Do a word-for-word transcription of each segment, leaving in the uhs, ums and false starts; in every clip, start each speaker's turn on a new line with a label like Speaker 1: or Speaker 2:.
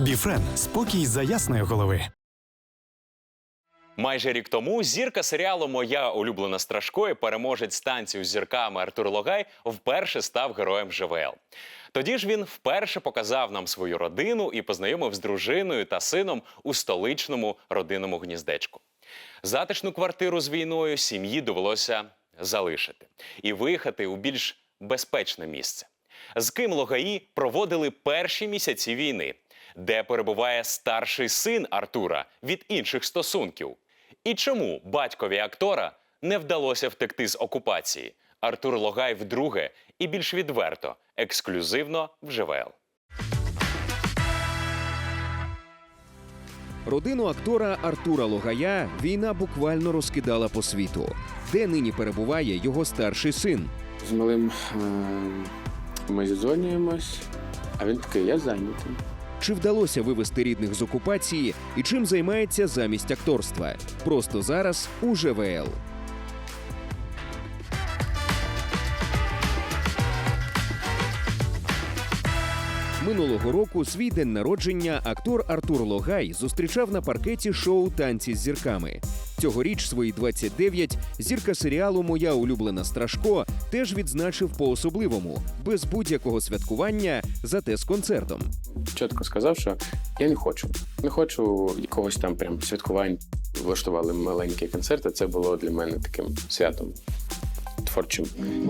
Speaker 1: Біфрен – спокій за ясної голови.
Speaker 2: Майже рік тому зірка серіалу «Моя улюблена Страшко» і переможець танців з зірками Артур Логай вперше став героєм ЖВЛ. Тоді ж він вперше показав нам свою родину і познайомив з дружиною та сином у столичному родинному гніздечку. Затишну квартиру з війною сім'ї довелося залишити і виїхати у більш безпечне місце. З ким Логаї проводили перші місяці війни? Де перебуває старший син Артура від інших стосунків? І чому батькові актора не вдалося втекти з окупації? Артур Логай вдруге і більш відверто, ексклюзивно в ЖВЛ.
Speaker 3: Родину актора Артура Логая війна буквально розкидала по світу. Де нині перебуває його старший син?
Speaker 4: З малим е ми зідзвонюємось, а він такий: я зайнятий.
Speaker 3: Чи вдалося вивести рідних з окупації і чим займається замість акторства? Просто зараз у ЖВЛ. Минулого року свій день народження актор Артур Логай зустрічав на паркеті шоу «Танці з зірками». Цьогоріч свої двадцять дев'ять зірка серіалу «Моя улюблена Страшко» теж відзначив по-особливому, без будь-якого святкування, зате з концертом.
Speaker 4: Чітко сказав, що я не хочу. Не хочу якогось там прям святкувань. Влаштували маленькі концерти, це було для мене таким святом творчим.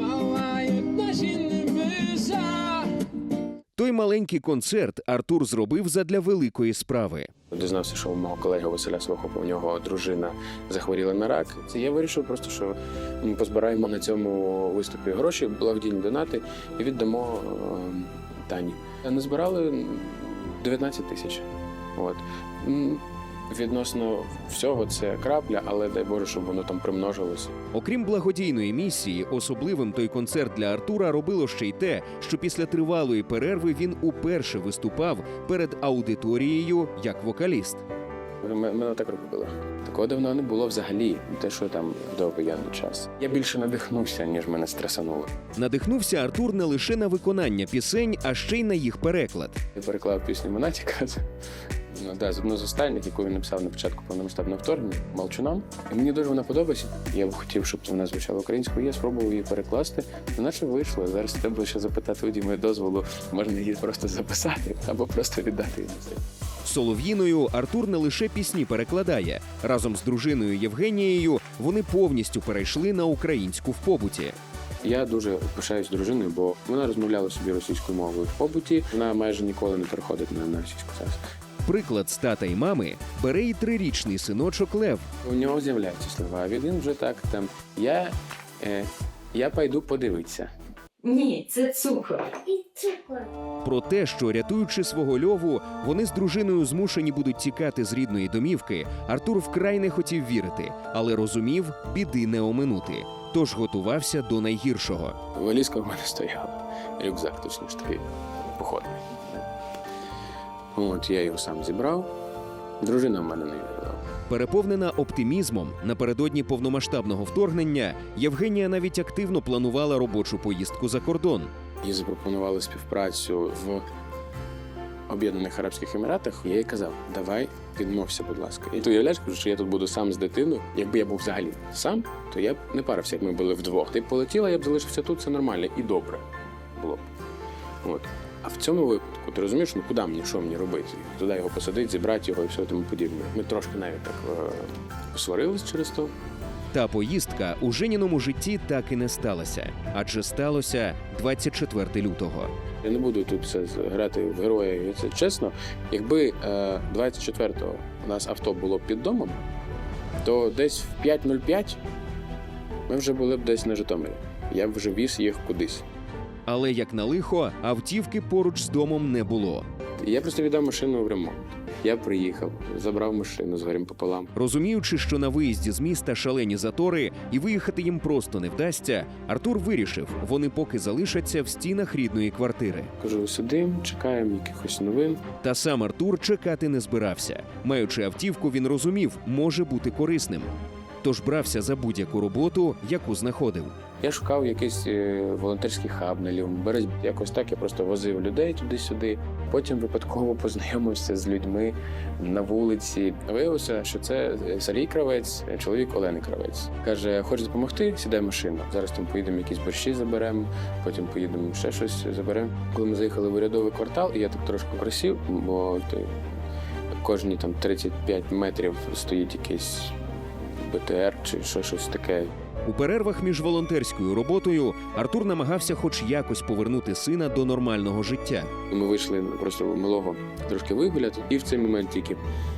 Speaker 3: Той маленький концерт Артур зробив задля великої справи.
Speaker 4: Дізнався, що у мого колеги Василя Свохопа, у нього дружина захворіла на рак. Це я вирішив просто, що ми позбираємо на цьому виступі гроші, благодійні донати і віддамо е Тані. Назбирали дев'ятнадцять тисяч. От. Відносно всього це крапля, але дай Боже, щоб воно там примножилося.
Speaker 3: Окрім благодійної місії, особливим той концерт для Артура робило ще й те, що після тривалої перерви він уперше виступав перед аудиторією як вокаліст.
Speaker 4: Мене так робило. Такого давно не було взагалі, те, що там до воєнний час. Я більше надихнувся, ніж мене стресануло.
Speaker 3: Надихнувся Артур не лише на виконання пісень, а ще й на їх переклад.
Speaker 4: Я переклав пісню Монатіка. Ну, да, одну з останніх, яку він написав на початку повномасштабного вторгнення, «Молчунам». І мені дуже вона подобається. Я б хотів, щоб вона звучала українською. Я спробував її перекласти. Наче вийшло. Зараз треба ще запитати у Діми дозволу. Можна її просто записати або просто віддати її.
Speaker 3: Солов'їною Артур не лише пісні перекладає. Разом з дружиною Євгенією вони повністю перейшли на українську в побуті.
Speaker 4: Я дуже пишаюсь дружиною, бо вона розмовляла собі російською мовою в побуті. Вона майже ніколи не переходить на, на російську зараз.
Speaker 3: Приклад з тата й мами бере і трирічний синочок Лев.
Speaker 4: У нього з'являються слова, він вже так там «я, е, я пойду подивитися».
Speaker 5: Ні, це цукор.
Speaker 6: І цукор.
Speaker 3: Про те, що, рятуючи свого Льову, вони з дружиною змушені будуть тікати з рідної домівки, Артур вкрай не хотів вірити, але розумів, біди не оминути. Тож готувався до найгіршого.
Speaker 4: Валізка в мене стояла, рюкзак точніше такий походний. От, я його сам зібрав, дружина в мене не вірила.
Speaker 3: Переповнена оптимізмом, напередодні повномасштабного вторгнення, Євгенія навіть активно планувала робочу поїздку за кордон.
Speaker 4: Їй запропонували співпрацю в Об'єднаних Арабських Еміратах. Я їй казав: давай, відмовся, будь ласка. І ти уявляєш, що я тут буду сам з дитиною. Якби я був взагалі сам, то я б не парився, як ми були вдвох. Ти б полетіла, я б залишився тут, це нормально і добре було б. От. А в цьому випадку, ти розумієш, ну куди мені, що мені робити? Туди його посадити, зібрати його і все тому подібне. Ми трошки навіть так е посварились через то.
Speaker 3: Та поїздка у Женіному житті так і не сталася. Адже сталося двадцять четвертого лютого.
Speaker 4: Я не буду тут це грати в героя, це чесно. Якби е двадцять четвертого у нас авто було під домом, то десь в п'ять нуль п'ять ми вже були б десь на Житомирі. Я б вже віз їх кудись.
Speaker 3: Але, як на лихо, автівки поруч з домом не було.
Speaker 4: Я просто віддав машину в ремонт. Я приїхав, забрав машину з горем пополам.
Speaker 3: Розуміючи, що на виїзді з міста шалені затори і виїхати їм просто не вдасться, Артур вирішив, вони поки залишаться в стінах рідної квартири.
Speaker 4: Кажу, сидимо, чекаємо якихось новин.
Speaker 3: Та сам Артур чекати не збирався. Маючи автівку, він розумів, може бути корисним. тож брався за будь-яку роботу, яку знаходив.
Speaker 4: Я шукав якийсь е, волонтерський хаб на лівому березі. Якось так я просто возив людей туди-сюди. Потім випадково познайомився з людьми на вулиці. Виявилося, що це Сергій Кравець, чоловік Олени Кравець. Каже, хочеш допомогти? Сідай в машину. Зараз там поїдемо якісь борщі заберемо, потім поїдемо ще щось заберемо. Коли ми заїхали в урядовий квартал, і я так трошки просів, бо той, кожні там тридцять п'ять метрів стоїть якийсь Б Т Р чи що, щось таке.
Speaker 3: У перервах між волонтерською роботою Артур намагався хоч якось повернути сина до нормального життя.
Speaker 4: Ми вийшли просто малого трошки вигуляти, і в цей момент тільки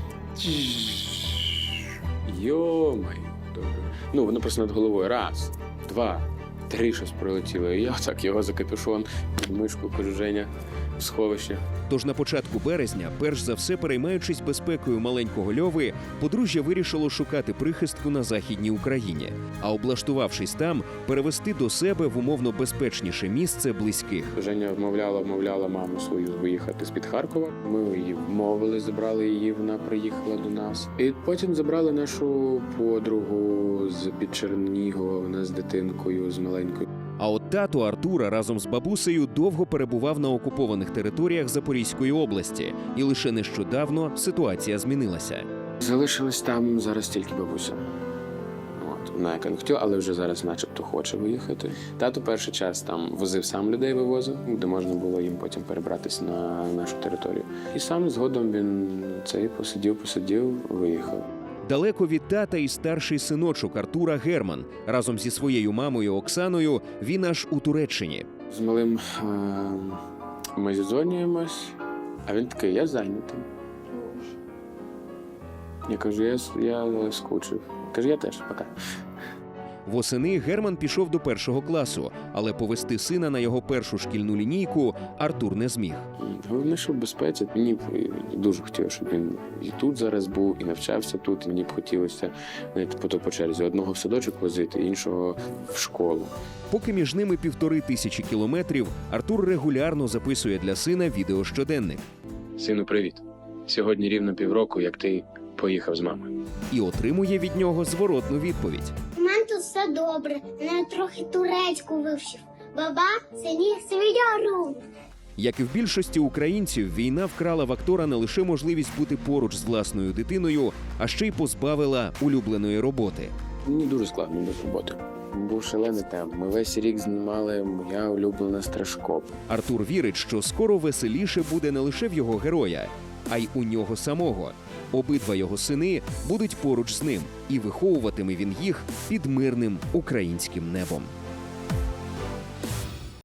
Speaker 4: йомай. Ну, воно просто над головою. Раз, два, три щось прилетіло. І я так його за капюшон, під мишку, кажу, Женя, в сховище.
Speaker 3: Тож на початку березня, перш за все переймаючись безпекою маленького Льови, подружжя вирішило шукати прихистку на Західній Україні, а облаштувавшись там, перевести до себе в умовно безпечніше місце близьких.
Speaker 4: Женя вмовляла, вмовляла маму свою виїхати з-під Харкова. Ми її вмовили, забрали її, вона приїхала до нас. І потім забрали нашу подругу з-під Чернігова, вона з дитинкою, з маленькою.
Speaker 3: А от тато Артура разом з бабусею довго перебував на окупованих територіях Запорізької області, і лише нещодавно ситуація змінилася.
Speaker 4: Залишилась там зараз тільки бабуся. От, вона яка не хотіла, але вже зараз начебто хоче виїхати. Тато перший час там возив сам людей, вивозив, де можна було їм потім перебратися на нашу територію. І сам згодом він цей посидів, посидів, виїхав.
Speaker 3: Далеко від тата і старший синочок Артура Герман. Разом зі своєю мамою Оксаною він аж у Туреччині.
Speaker 4: З малим е- ми зідзвонюємось, а він такий, я зайнятий. Я кажу, я, я скучив. Каже, я теж, пока.
Speaker 3: Восени Герман пішов до першого класу, але повести сина на його першу шкільну лінійку Артур не зміг.
Speaker 4: Головне, що в безпеці. Мені б дуже хотілося, щоб він і тут зараз був, і навчався тут. І мені б хотілося навіть по, по черзі одного в садочок возити, іншого в школу.
Speaker 3: Поки між ними півтори тисячі кілометрів, Артур регулярно записує для сина відеощоденник.
Speaker 4: Сину, привіт. Сьогодні рівно півроку, як ти поїхав з мамою.
Speaker 3: І отримує від нього зворотну відповідь.
Speaker 6: У мене тут все добре. Я трохи турецьку вивчив. Баба, сині свідяру.
Speaker 3: Як і в більшості українців, війна вкрала в актора не лише можливість бути поруч з власною дитиною, а ще й позбавила улюбленої роботи.
Speaker 4: Мені дуже складно без роботи. Був шалений темп. Ми весь рік знімали «Моя улюблена Страшко».
Speaker 3: Артур вірить, що скоро веселіше буде не лише в його героя, а й у нього самого. Обидва його сини будуть поруч з ним, і виховуватиме він їх під мирним українським небом.